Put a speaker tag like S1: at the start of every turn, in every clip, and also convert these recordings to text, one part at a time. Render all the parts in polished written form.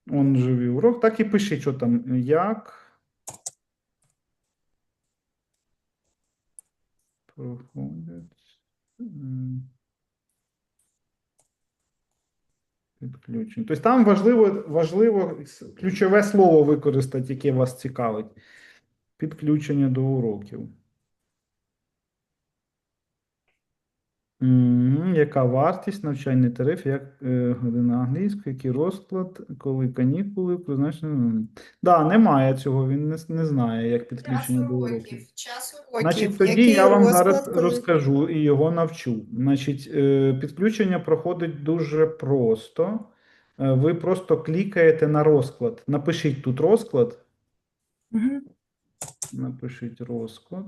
S1: Он живий урок. Так і пиши, що там, як проходять підключення. Тобто там важливо ключове слово використати, яке вас цікавить. Підключення до уроків. Яка вартість, навчальний тариф, як година англійської, який розклад, коли канікули, призначено. Да, немає цього, він не знає, як підключення до уроків.
S2: Час
S1: Значить,
S2: уроків.
S1: тоді
S2: Який
S1: я вам зараз
S2: розклад, коли...
S1: розкажу і його навчу. Значить, підключення проходить дуже просто. Ви просто клікаєте на розклад. Напишіть тут розклад.
S2: Угу.
S1: Напишіть розклад.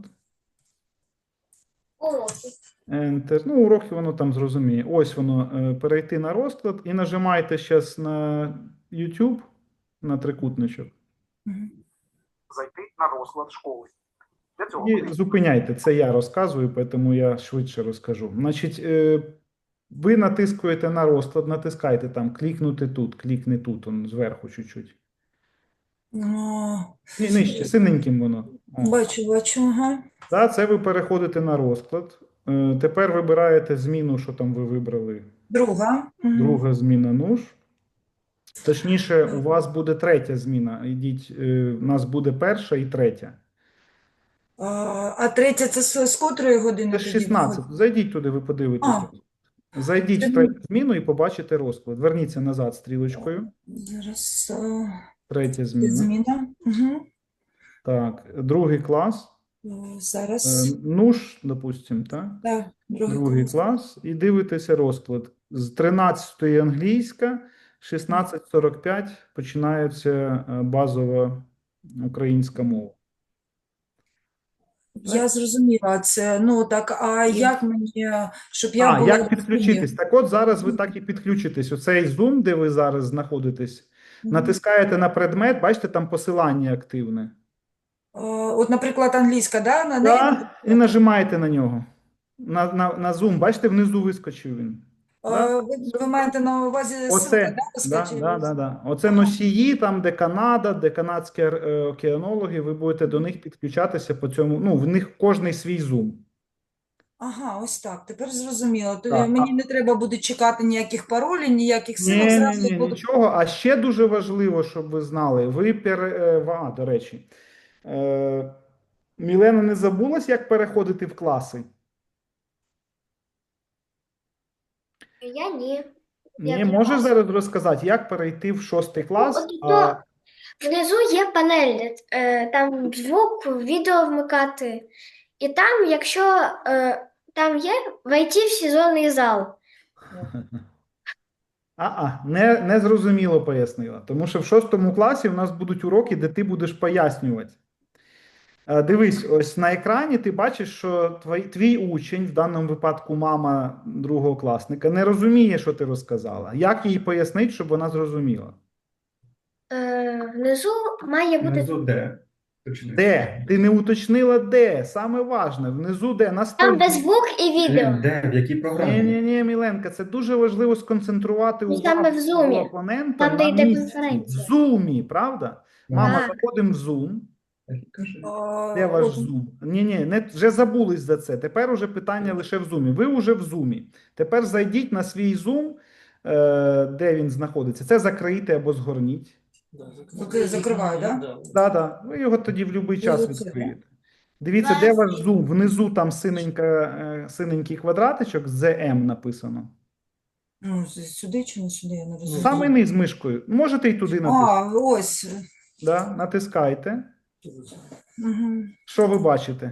S2: Уроки.
S1: Enter. Ну, уроки воно там зрозуміє. Ось воно, перейти на розклад і нажимаєте зараз на YouTube, на трикутничок.
S3: Зайти на розклад школи. Для цього
S1: І зупиняйте. Це я розказую, тому я швидше розкажу. Значить, ви натискуєте на розклад, натискайте там, клікнути тут, клікни тут, он зверху чуть-чуть. Ні, нижче, синеньким воно. О.
S2: Бачу, ага.
S1: Да, це ви переходите на розклад. Тепер вибираєте зміну, що там ви вибрали.
S2: Друга.
S1: Друга зміна нуж. Точніше, у вас буде третя зміна. Ідіть, у нас буде перша і третя.
S2: А третя це з котрої години
S1: Це ж
S2: тоді
S1: 16.
S2: виходить?
S1: Зайдіть туди, ви подивитеся.
S2: А,
S1: Зайдіть
S2: це
S1: в третю зміну і побачите розклад. Верніться назад стрілочкою.
S2: зараз
S1: Третя
S2: це
S1: зміна.
S2: зміна. Угу.
S1: Так, другий клас.
S2: Зараз.
S1: Нуж, допустимо, так?
S2: Так,
S1: Другий клас. І дивитеся розклад. З 13-ї англійська, 16:45 починається базова українська мова.
S2: Я зрозуміла це. Ну так, а як мені, щоб я була
S1: Як підключитись? Так от зараз ви так і підключитесь. Оцей Zoom, де ви зараз знаходитесь, натискаєте на предмет, бачите, там посилання активне.
S2: От, наприклад, англійська, да? На неї
S1: І нажимаєте на нього. На Zoom, бачите, внизу вискочив він. Да?
S2: ви маєте на увазі ссылка, да, вискочила?
S1: Оце носії, там, де Канада, де канадські океанологи, ви будете до них підключатися по цьому. Ну, в них кожний свій Zoom.
S2: Ага, ось так. Тепер зрозуміло. То
S1: Так.
S2: мені не треба буде чекати ніяких паролів, ніяких ссылок.
S1: Ні,
S2: Зразу
S1: ні, ні,
S2: буду.
S1: нічого. А ще дуже важливо, щоб ви знали, до речі, Мілена не забулась, як переходити в класи?
S4: Я ні.
S1: Ні, можеш зараз розказати, як перейти в 6 клас?
S4: От то внизу є панель, там звук, відео вмикати. І там, якщо там є, войти в сезонний зал.
S1: Не зрозуміло пояснила. Тому що в 6 класі у нас будуть уроки, де ти будеш пояснювати. Дивись, ось на екрані ти бачиш, що твій учень, в даному випадку мама другого класника, не розуміє, що ти розказала. Як їй пояснити, щоб вона зрозуміла?
S4: Внизу має бути
S5: Внизу де?
S1: Де? Ти не уточнила де? Саме важне. Внизу де? На столі.
S4: там, де звук і відео.
S5: Де? В якій програмі?
S1: Ні, Міленка, це дуже важливо сконцентрувати
S4: Ну, саме
S1: увагу
S4: в
S1: свого
S4: Zoom.
S1: опонента
S4: Там, де
S1: на
S4: йде
S1: місці. В
S4: конференція.
S1: Zoom, правда? Мама,
S4: Так.
S1: заходимо в Zoom.
S5: Кажи.
S1: Де ваш
S2: От,
S1: Zoom? Ні, вже забулись за це. Тепер уже питання лише в Zoom. Ви вже в Zoom. Тепер зайдіть на свій Zoom, де він знаходиться. Це закрийте або згорніть.
S2: закриваю, да?
S1: Так. Ви його тоді в будь-який час
S2: Оце,
S1: відкриєте. Дивіться, де ваш Zoom? Внизу там синенький квадратичок з M написано.
S2: Ну, сюди чи не сюди, я не розумію.
S1: Саме низ мишкою. Можете і туди натиснути.
S2: Ось.
S1: Да? Натискайте.
S2: Угу.
S1: Що ви бачите?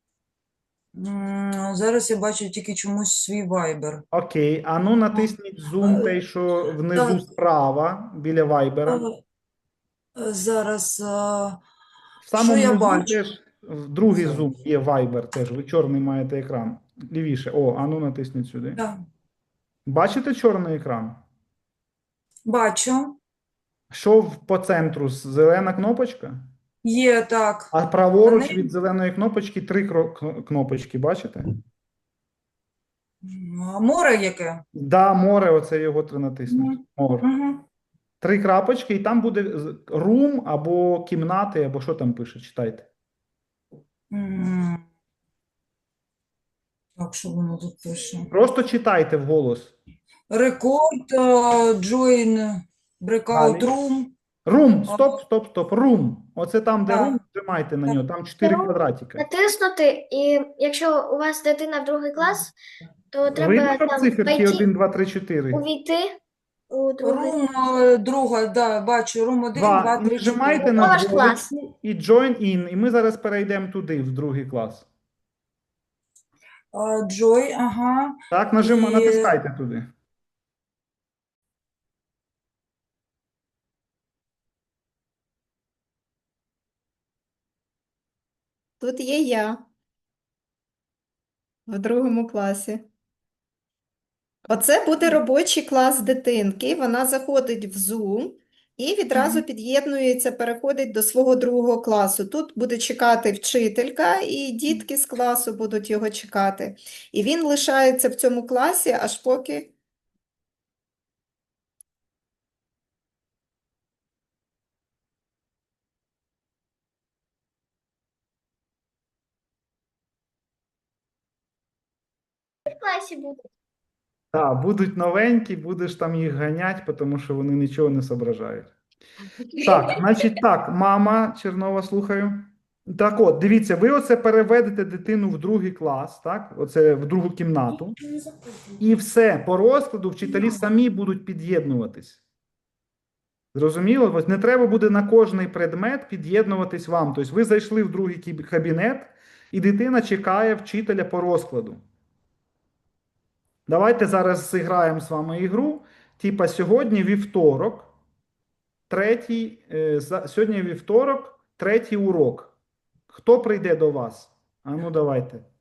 S2: Зараз я бачу тільки чомусь свій Viber.
S1: Окей. А ну натисніть Zoom, той, що внизу
S2: Так.
S1: справа, біля Viber.
S2: Зараз,
S1: В самому
S2: що я
S1: низу
S2: бачу?
S1: теж в другий Zoom є Viber теж. Ви чорний маєте екран. Лівіше. А ну натисніть сюди.
S2: Так.
S1: Бачите чорний екран?
S2: Бачу.
S1: Що по центру? Зелена кнопочка?
S2: Є, так.
S1: А праворуч
S2: Вони-
S1: від зеленої кнопочки 3 кнопочки, бачите?
S2: Море яке?
S1: Да, море, оце його треба натиснути. Море.
S2: Угу.
S1: 3 крапочки, і там буде room або кімнати, або що там пише, читайте.
S2: М. Так, що воно тут пише?
S1: Просто читайте вголос.
S2: Рекорд, join, breakout
S1: Далі.
S2: room.
S1: Room, стоп. Room. Оце там, де
S2: Так.
S1: room, нажимайте на нього, там 4
S4: Room.
S1: квадратика.
S4: Натиснути, і якщо у вас дитина в другий клас, то треба
S1: Видно там
S4: там
S1: циферки 1, 2, 3, 4?
S4: увійти у другий.
S2: Room, друга, да, бачу, room 1, 2,
S1: 2. І
S2: 3,
S1: нажимайте
S2: 4.
S1: на
S4: Ваш клас.
S1: двоєчку і join in. І ми зараз перейдемо туди, в другий клас.
S2: Joy, ага.
S1: Так,
S2: І-
S1: натискайте туди.
S6: Тут є я в другому класі. Оце буде робочий клас дитинки. Вона заходить в Zoom і відразу під'єднується, переходить до свого другого класу. Тут буде чекати вчителька, і дітки з класу будуть його чекати. І він лишається в цьому класі, аж поки.
S4: В класі буде.
S1: Так, будуть новенькі, будеш там їх ганять, тому що вони нічого не соображають. Так, значить так, мама Чернова, слухаю. Так от, дивіться, ви оце переведете дитину в другий клас, так? Оце в другу кімнату. І все, по розкладу вчителі самі будуть під'єднуватись. Зрозуміло? Ось не треба буде на кожний предмет під'єднуватись вам. Тобто ви зайшли в другий кабінет, і дитина чекає вчителя по розкладу. Давайте зараз зіграємо з вами ігру. Типа сьогодні вівторок, сьогодні вівторок, третій урок. Хто прийде до вас? А ну давайте.